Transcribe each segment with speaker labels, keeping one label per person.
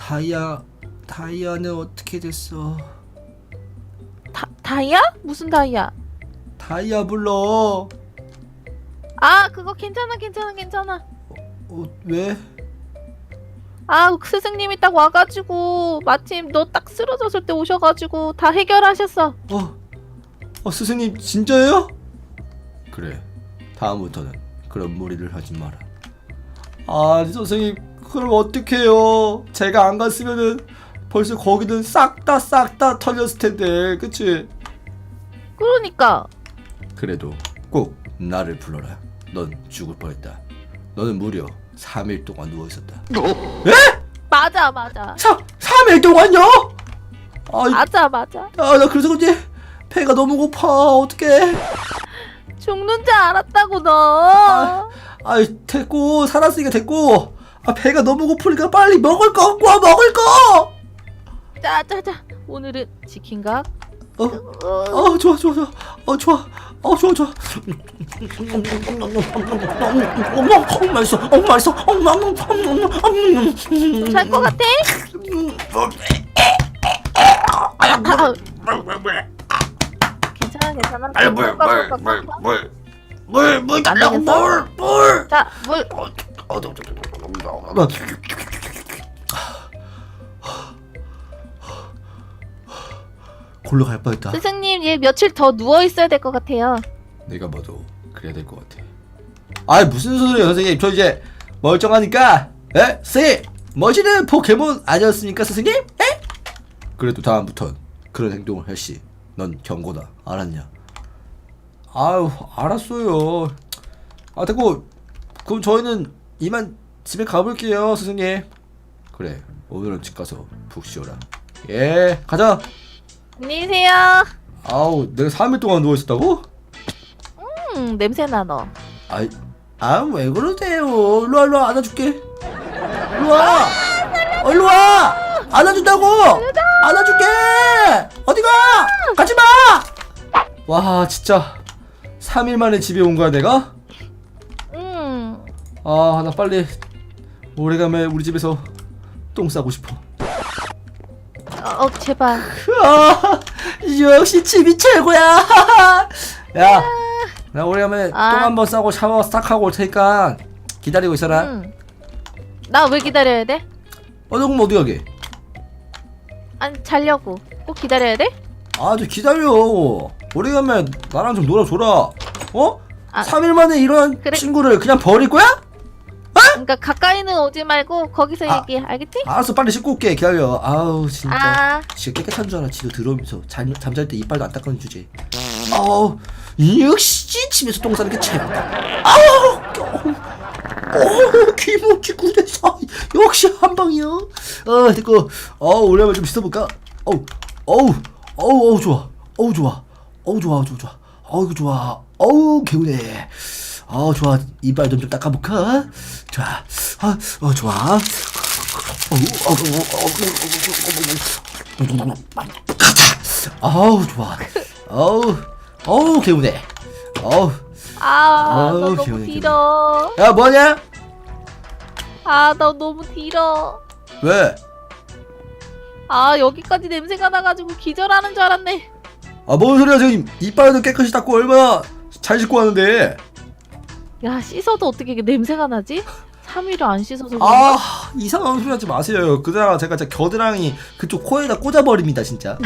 Speaker 1: 다이아는 어떻게 됐어?
Speaker 2: 다이아? 무슨 다이아?
Speaker 1: 다이아 불러.
Speaker 2: 아, 그거 괜찮아.
Speaker 1: 왜?
Speaker 2: 아, 스승님이 딱 와가지고 마침 너 딱 쓰러졌을 때 오셔가지고 다 해결하셨어.
Speaker 1: 스승님 진짜예요? 그래, 다음부터는 그런 무리를 하지 마라. 선생님, 그럼 어떡해요? 제가 안 갔으면은 벌써 거기는 싹 다 털렸을 텐데, 그치?
Speaker 2: 그러니까.
Speaker 1: 그래도 꼭 나를 불러라. 넌 죽을 뻔했다. 너는 무려 3일 동안 누워있었다. 에?
Speaker 2: 맞아.
Speaker 1: 3일 동안요?
Speaker 2: 맞아.
Speaker 1: 나 그래서 그런지 배가 너무 고파. 어떡해.
Speaker 2: 죽는 줄 알았다고 너.
Speaker 1: 됐고, 살았으니까 됐고. 배가 너무 고프니까 빨리 먹을 거 갖고 와. 먹을 거.
Speaker 2: 자. 오늘은 치킨각.
Speaker 1: 좋아. 좋아. 맛있어.
Speaker 2: 잘 것 같아? 괜찮아.
Speaker 1: 물 달라고. 물.
Speaker 2: 자, 물.
Speaker 1: 골로 갈 뻔했다.
Speaker 2: 스승님, 얘 며칠 더 누워 있어야 될 것 같아요.
Speaker 1: 내가 봐도 그래야 될 것 같아. 무슨 소리예요, 선생님? 저 이제 멀쩡하니까. 선생님, 멋있는 포켓몬 아니었습니까, 선생님? 그래도 다음부턴 그런 행동을 할 시 넌 경고다. 알았냐? 알았어요. 됐고, 그럼 저희는 이만 집에 가볼게요, 선생님. 그래, 오늘은 집 가서 푹 쉬어라. 예, 가자.
Speaker 2: 안녕히 계세요.
Speaker 1: 내가 3일 동안 누워있었다고?
Speaker 2: 냄새나 너.
Speaker 1: 왜 그러세요? 일로와, 안아줄게. 일로와! 일로와! 안아준다고! 안아줄게! 어디가! 가지마! 와, 진짜 3일 만에 집에 온 거야, 내가? 나 빨리 오래간만에 우리 집에서 똥 싸고 싶어.
Speaker 2: 제발.
Speaker 1: 역시 집이 최고야. 야, 나 오래간만에 똥 한번 싸고 샤워 싹 하고 올 테니까 기다리고 있어라.
Speaker 2: 나 왜 기다려야 돼?
Speaker 1: 너 그럼 어디 가게?
Speaker 2: 아니, 자려고. 꼭 기다려야 돼?
Speaker 1: 저 기다려. 오래간만에 나랑 좀 놀아줘라. 3일 만에 이런
Speaker 2: 그래.
Speaker 1: 친구를 그냥 버릴 거야?
Speaker 2: 그러니까 가까이는 오지 말고 거기서 얘기해. 알겠지?
Speaker 1: 알았어, 빨리 씻고 올게. 기다려. 진짜.
Speaker 2: 아.
Speaker 1: 진짜 깨끗한 줄 알아. 지도 들어오면서 잠잘 때 이빨도 안 닦아는 주제. 역시 집에서 똥 싸는 게 최고다. 기분기 굳었어. 역시 한 방이야. 됐고. 오랜만에 좀 씻어볼까? 좋아. 이거 좋아. 개운해. 좋아. 이빨 좀 닦아볼까? 좋아. 좋아. 좋아. 개운해.
Speaker 2: 너 너무
Speaker 1: 개운해.
Speaker 2: 길어.
Speaker 1: 야, 뭐하냐?
Speaker 2: 너 너무 길어.
Speaker 1: 왜?
Speaker 2: 여기까지 냄새가 나가지고 기절하는 줄 알았네.
Speaker 1: 뭔 소리야. 지금 이빨도 깨끗이 닦고 얼마나 잘 씻고 왔는데.
Speaker 2: 야, 씻어도 어떻게 이게 냄새가 나지? 3일을 안 씻어서
Speaker 1: 이상한 소리 하지 마세요. 그러다가 제가 진짜 겨드랑이 그쪽 코에다 꽂아버립니다, 진짜.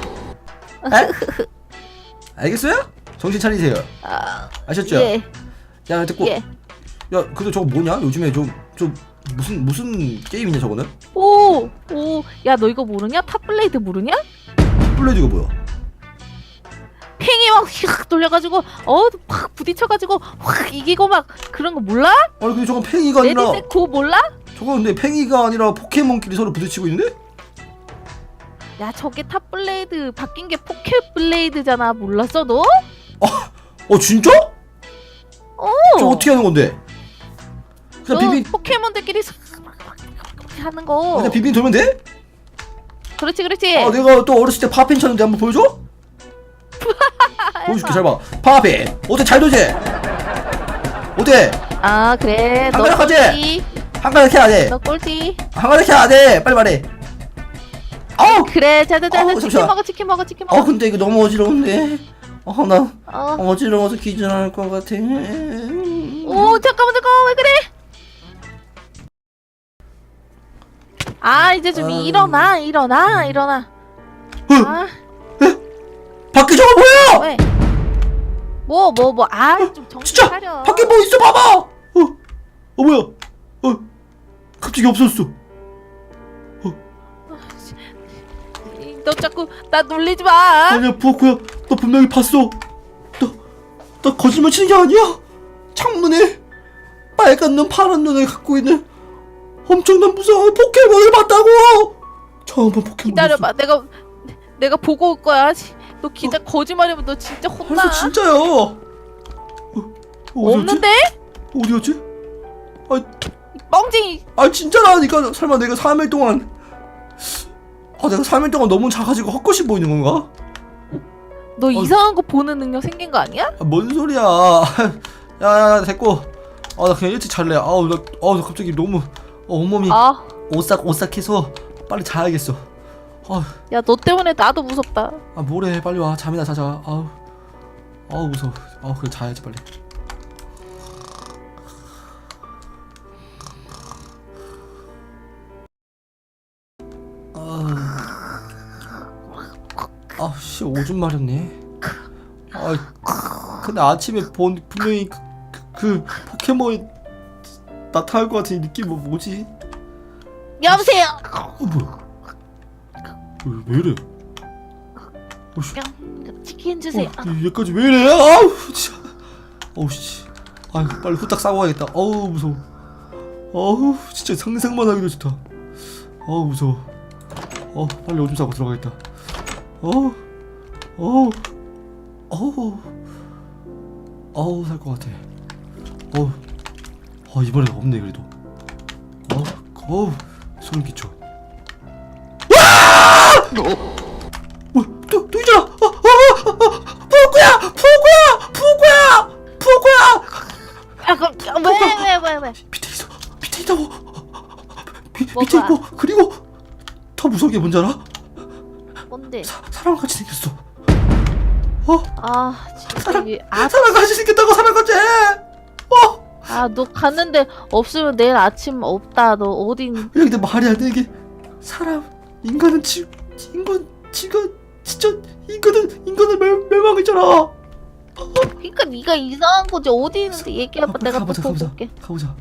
Speaker 1: 알겠어요? 정신 차리세요. 아셨죠?
Speaker 2: 예.
Speaker 1: 야, 됐고.
Speaker 2: 예.
Speaker 1: 야, 근데 저거 뭐냐? 요즘에 좀 무슨 게임이냐, 저거는?
Speaker 2: 야, 너 이거 모르냐? 탑블레이드 모르냐?
Speaker 1: 블레이드가 뭐야?
Speaker 2: 팽이 막 휙 돌려가지고 확 부딪혀가지고 확 이기고 막 그런 거 몰라?
Speaker 1: 근데 저건 팽이가 아니라.
Speaker 2: 레드색 그거 몰라?
Speaker 1: 저거 근데 팽이가 아니라 포켓몬끼리 서로 부딪히고 있는데?
Speaker 2: 야, 저게 탑블레이드 바뀐 게 포켓블레이드잖아. 몰랐어 너?
Speaker 1: 진짜? 저 어떻게 하는 건데? 그냥
Speaker 2: 너
Speaker 1: 비빈
Speaker 2: 포켓몬들끼리 하는 거.
Speaker 1: 그냥 비빈 돌면 돼?
Speaker 2: 그렇지.
Speaker 1: 내가 또 어렸을 때 파핀 쳤는데 한번 보여줘? 보여줄게. 잘 봐. 파핀 어때? 잘 도지? 어때?
Speaker 2: 그래.
Speaker 1: 한 가닥 하지?
Speaker 2: 꼴찌.
Speaker 1: 한 가닥 해야 돼.
Speaker 2: 너 꼴찌.
Speaker 1: 한 가닥 해야 돼. 빨리 말해. 아우.
Speaker 2: 그래 자자자
Speaker 1: 어우,
Speaker 2: 치킨
Speaker 1: 잠시만.
Speaker 2: 먹어 치킨 먹어 치킨 먹어.
Speaker 1: 근데 이거 너무 어지러운데. 나
Speaker 2: 어.
Speaker 1: 어지러워서 기절할 것 같아.
Speaker 2: 오 잠깐만 왜 그래? 아 이제 좀
Speaker 1: 아유.
Speaker 2: 일어나. 아
Speaker 1: 밖에 저거 뭐야?
Speaker 2: 왜? 좀 정신
Speaker 1: 진짜
Speaker 2: 차려.
Speaker 1: 밖에 뭐 있어 봐봐. 뭐야? 갑자기 없어졌어.
Speaker 2: 너 자꾸 나 놀리지 마.
Speaker 1: 아니야 부엌구야, 너 분명히 봤어. 나 거짓말 치는 게 아니야. 창문에 빨간 눈 파란 눈을 갖고 있는 엄청난 무서운 포켓몬을 봤다고. 처음 본 포켓몬.
Speaker 2: 기다려봐. 내가 보고 올 거야. 너 거짓말이면 너 진짜 혼나.
Speaker 1: 벌써 진짜야.
Speaker 2: 없는데?
Speaker 1: 어디 갔지?
Speaker 2: 뻥쟁이.
Speaker 1: 진짜라니까. 설마 내가 3일 동안 내가 3일 동안 너무 작아지고 헛것이 보이는 건가?
Speaker 2: 너 이상한 거 보는 능력 생긴 거 아니야?
Speaker 1: 뭔 소리야. 야 됐고. 나 그냥 일찍 잘래. 나 갑자기 너무 온몸이 오싹오싹해서 빨리 자야겠어.
Speaker 2: 야 너 때문에 나도 무섭다.
Speaker 1: 뭐래, 빨리 와. 잠이나 자자. 무서워. 그래 자야지 빨리. 씨, 오줌 마렵네. 근데 아침에 분명히 그 포켓몬이 나타날 것 같은 이 느낌. 뭐지?
Speaker 2: 여보세요.
Speaker 1: 뭐야? 왜 이래?
Speaker 2: 치킨 주세요.
Speaker 1: 얘까지 왜 이래? 아우 진짜. 씨. 빨리 후딱 싸고 가야겠다. 무서워. 진짜 상상만 하기도 좋다. 무서워. 빨리 오줌 싸고 들어가겠다. 살 것 같아. 이번엔 없네 그래도. 소름 끼쳐. 뭐야? 또 있잖아. 푸구야.
Speaker 2: 왜?
Speaker 1: 밑에 있다고. 밑에
Speaker 2: 뭐가?
Speaker 1: 있고. 그리고 더 무서운 게 뭔지 알아?
Speaker 2: 뭔데?
Speaker 1: 사람같이 생겼어.
Speaker 2: 진짜
Speaker 1: 사람같이 생겼다고. 사람같이.
Speaker 2: 너 갔는데 없으면 내일 아침 없다. 너 어딘?
Speaker 1: 야, 근데 말이 안 돼. 이게 인간은 진짜 인간은 멸망했잖아.
Speaker 2: 그러니까 네가 이상한 거지. 어디 있는데 얘기해봐. 내가 또 보고 올게.
Speaker 1: 가보자.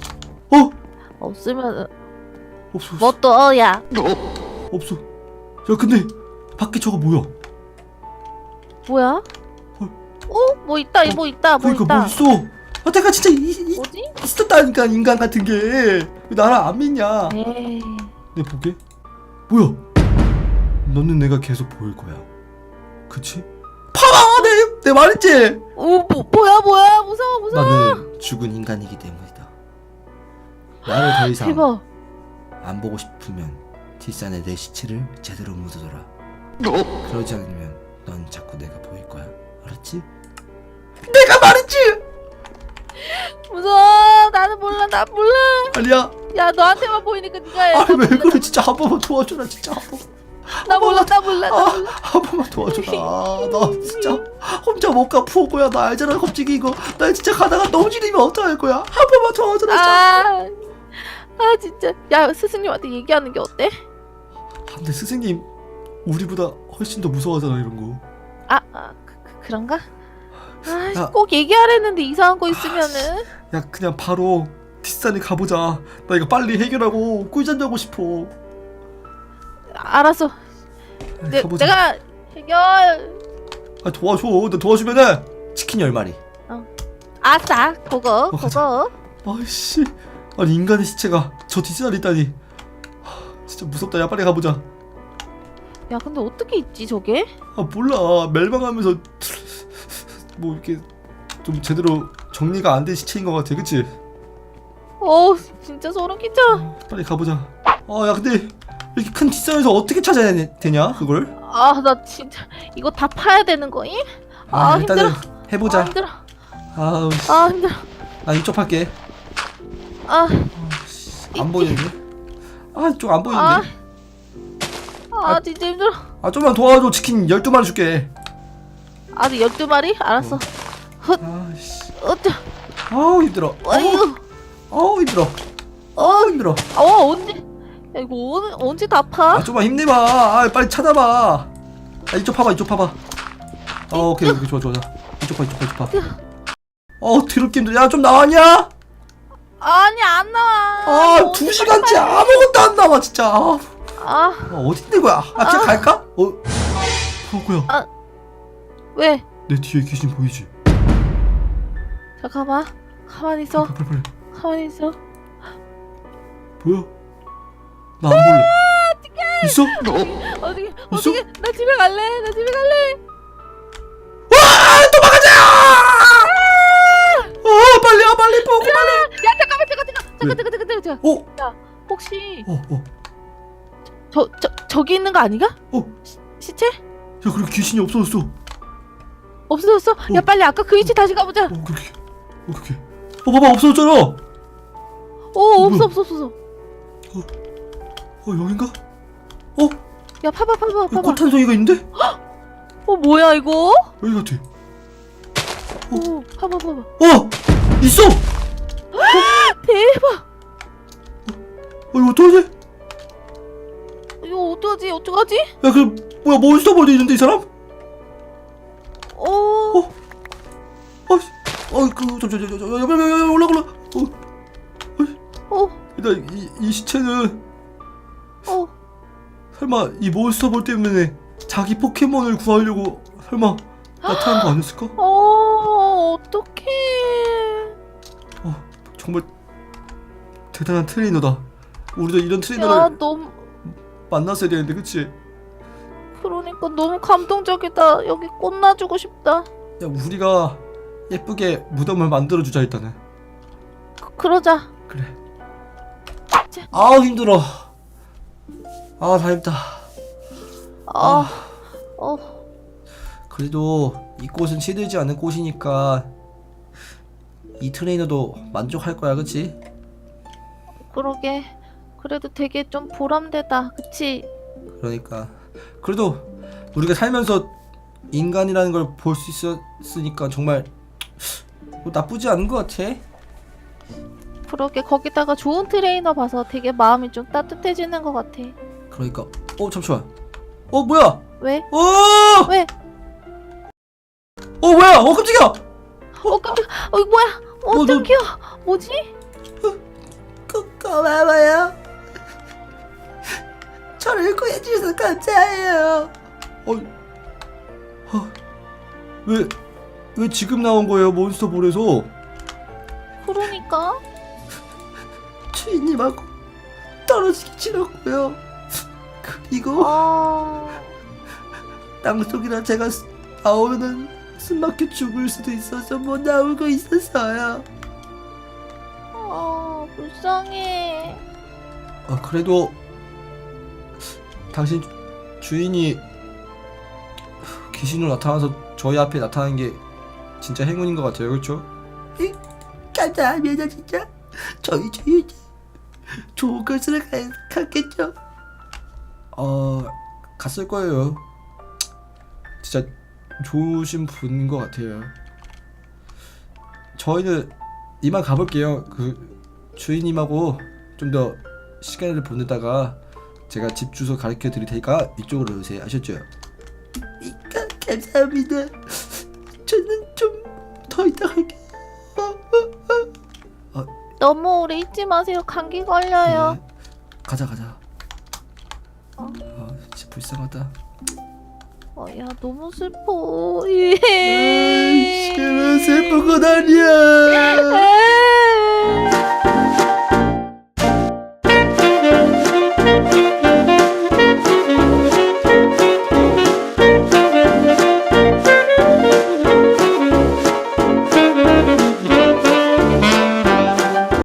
Speaker 2: 없으면
Speaker 1: 없어.
Speaker 2: 뭐 또? 야
Speaker 1: 없어. 야, 근데 밖에 저거 뭐야?
Speaker 2: 뭐야? 뭐 있다.
Speaker 1: 그러니까 뭐 있어. 내가 진짜
Speaker 2: 뭐지?
Speaker 1: 있었다니까. 인간 같은 게. 왜 나를 안 믿냐?
Speaker 2: 에이.
Speaker 1: 내가 보게? 뭐야? 너는 내가 계속 보일 거야. 그치? 봐봐! 내 말했지?
Speaker 2: 뭐야? 무서워.
Speaker 1: 나는 죽은 인간이기 때문이다. 나를 더 이상
Speaker 2: 대박.
Speaker 1: 안 보고 싶으면 뒷산에 내 시체를 제대로 묻어둬라. 그러지 않으면 넌 자꾸 내가 보일 거야. 알았지? 내가 말했지!
Speaker 2: 무서워. 나는 몰라. 나 몰라.
Speaker 1: 아니야.
Speaker 2: 야 너한테만 보이니까 네가 해.
Speaker 1: 왜 그래. 진짜 한 번만 도와줘라. 진짜 한 번만.
Speaker 2: 나 몰라.
Speaker 1: 한 번만 도와줘라. 나 진짜 혼자 못 가. 푸고야. 나 알잖아. 갑자기 이거 나 진짜 가다가 넘어지면 어떡할 거야. 한 번만 도와줘라.
Speaker 2: 진짜. 야 스승님한테 얘기하는 게 어때?
Speaker 1: 근데 스승님 우리보다 훨씬 더 무서워하잖아 이런 거.
Speaker 2: 그런가?
Speaker 1: 야.
Speaker 2: 꼭 얘기하랬는데 이상한 거 있으면은.
Speaker 1: 야, 그냥 바로 뒷산에 가보자. 나 이거 빨리 해결하고 꿀잠 자고 싶어.
Speaker 2: 알았어.
Speaker 1: 가보자.
Speaker 2: 내가 해결.
Speaker 1: 도와줘. 너 도와주면은 치킨 10마리.
Speaker 2: 아싸. 그거.
Speaker 1: 가자. 아이씨. 아니 인간의 시체가 저 뒷산에 있다니. 진짜 무섭다. 야, 빨리 가보자.
Speaker 2: 야 근데 어떻게 있지 저게?
Speaker 1: 몰라. 멸망하면서 뭐 이렇게 좀 제대로 정리가 안 된 시체인 것 같아. 그치?
Speaker 2: 진짜 소름 끼쳐.
Speaker 1: 빨리 가보자. 야, 근데 이렇게 큰 뒷산에서 어떻게 찾아야 되냐 그걸?
Speaker 2: 나 진짜 이거 다 파야 되는 거임?
Speaker 1: 일단은
Speaker 2: 힘들어.
Speaker 1: 해보자.
Speaker 2: 힘들어.
Speaker 1: 힘들어. 나 이쪽 할게. 안 보이는데? 이쪽 안 보이는데?
Speaker 2: 아 진짜 힘들어.
Speaker 1: 아 좀만 도와줘. 치킨 12마리 줄게.
Speaker 2: 아 12마리? 알았어. 헛.
Speaker 1: 아씨.
Speaker 2: 어쩌.
Speaker 1: 아우 힘들어.
Speaker 2: 아이고.
Speaker 1: 아우 힘들어. 아우 힘들어.
Speaker 2: 언제? 야, 이거 언제 다 파?
Speaker 1: 아 좀만 힘내봐. 아 빨리 찾아봐. 아 이쪽 파봐 이쪽 파봐. 오케이 오케이 좋아 좋아. 이쪽 파 이쪽 파. 드럽게 힘들어. 야 좀 나왔냐?
Speaker 2: 아니 안 나와.
Speaker 1: 아 2시간째 아무것도 안 나와 진짜. 어디 있는 거야? 그냥 갈까? 뭐야?
Speaker 2: 왜?
Speaker 1: 내 뒤에 귀신 보이지?
Speaker 2: 잠깐만. 가만히 있어.
Speaker 1: 빨리.
Speaker 2: 가만히 있어.
Speaker 1: 뭐야? 나 안 볼래. 있어?
Speaker 2: 어떻게?
Speaker 1: 있어?
Speaker 2: 나 집에 갈래. 나 집에 갈래.
Speaker 1: 와! 도망가자! 빨리 보고 빨리.
Speaker 2: 야 잠깐만. 야 혹시 저기 있는 거 아니가? 시체?
Speaker 1: 야 그리고 귀신이 없어졌어.
Speaker 2: 없어졌어? 야 빨리 아까 그 위치 다시 가보자.
Speaker 1: 그렇게. 봐봐 없어졌잖아.
Speaker 2: 없어.
Speaker 1: 여긴가?
Speaker 2: 야 봐봐.
Speaker 1: 꽃한송이가 있는데?
Speaker 2: 뭐야 이거?
Speaker 1: 여기 같아.
Speaker 2: 봐봐.
Speaker 1: 있어.
Speaker 2: 대박.
Speaker 1: 이거 어떡하지?
Speaker 2: 이거 어떡하지?
Speaker 1: 야 그 뭐야 몬스터볼도 있는데 이 사람? 저 올라가. 일단 이 시체는 설마 이 몬스터볼 때문에 자기 포켓몬을 구하려고 설마 나타난 거 아니었을까?
Speaker 2: 어떡해.
Speaker 1: 정말 대단한 트레이너다. 우리도 이런
Speaker 2: 야
Speaker 1: 트레이너를
Speaker 2: 너무
Speaker 1: 만났어야 되는데 그치?
Speaker 2: 그러니까 너무 감동적이다. 여기 꽃 놔주고 싶다.
Speaker 1: 야 우리가 예쁘게 무덤을 만들어주자 일단은.
Speaker 2: 그러자.
Speaker 1: 그래. 아우 힘들어. 다 힘들다. 그래도 이 꽃은 시들지 않은 꽃이니까 이 트레이너도 만족할 거야 그치?
Speaker 2: 그러게. 그래도 되게 좀 보람되다. 그치?
Speaker 1: 그러니까 그래도 우리가 살면서 인간이라는 걸 볼 수 있으니까 정말 뭐 나쁘지 않은 것 같아.
Speaker 2: 그러게. 거기다가 좋은 트레이너 봐서 되게 마음이 좀 따뜻해지는 것 같아.
Speaker 1: 그러니까 잠시만. 뭐야?
Speaker 2: 왜?
Speaker 1: 왜? 뭐야? 깜짝이야.
Speaker 2: 깜짝. 이거 뭐야? 깜짝이야. 뭐지?
Speaker 1: 고마워요. 저를 구해주셔서 감사해요. 왜 지금 나온 거예요 몬스터볼에서?
Speaker 2: 그러니까.
Speaker 1: 주인님하고 떨어지기 싫었고요. 그리고 땅속이라 제가 나오면은 숨막혀 죽을 수도 있어서 못 나오고 있었어요.
Speaker 2: 불쌍해.
Speaker 1: 그래도 당신 주인이 귀신으로 나타나서 저희 앞에 나타나는 게 진짜 행운인 것 같아요, 그렇죠? 감사합니다, 진짜. 저희 주인이 좋은 곳으로 갔겠죠? 갔을 거예요. 진짜 좋으신 분인 것 같아요. 저희는 이만 가볼게요. 그 주인님하고 좀 더 시간을 보내다가 제가 집 주소 가르쳐 드릴 테니까 이쪽으로 오세요. 아셨죠? 감사합니다. 저는 좀 더 이따 갈게요.
Speaker 2: 너무 오래 있지 마세요. 감기 걸려요.
Speaker 1: 가자. 진짜 불쌍하다.
Speaker 2: 야 너무 슬퍼.
Speaker 1: 싫어, 슬픈 건 아니야.